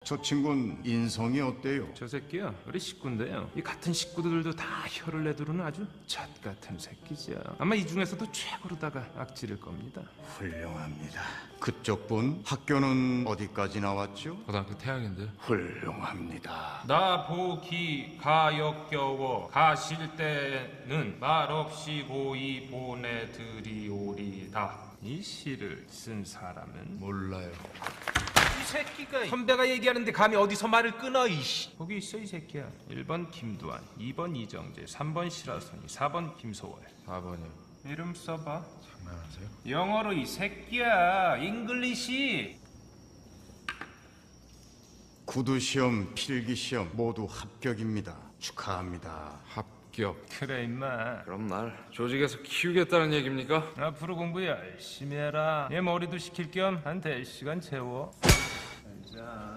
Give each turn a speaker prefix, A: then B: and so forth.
A: 저 친구는 인성이 어때요?
B: 저 새끼야 우리 식구인데요. 이 같은 식구들도 다 혀를 내두르는 아주 잣 같은 새끼죠. 아마 이 중에서도 최고로다가 악질일 겁니다.
A: 훌륭합니다. 그쪽 분 학교는 어디까지 나왔죠?
C: 고등학교 태양인데.
A: 훌륭합니다.
B: 나보기 가역겨워 가실 때는 말없이 고이 보내드리오리다. 이 시를 쓴 사람은
C: 몰라요.
B: 이 새끼가 선배가 얘기하는데 감히 어디서 말을 끊어 이씨. 거기 있어 이 새끼야. 1번 김두한, 2번 이정재, 3번 시라소니, 4번 김소월.
C: 4번이요.
B: 이름 써봐.
C: 장난하세요?
B: 영어로 이 새끼야. 잉글리시.
A: 구두시험, 필기시험 모두 합격입니다. 축하합니다.
C: 합격.
B: 그래 임마.
C: 그럼 날 조직에서 키우겠다는 얘기입니까?
B: 앞으로 공부 열심히 해라. 얘 머리도 식힐 겸 한 대 시간 채워. 자.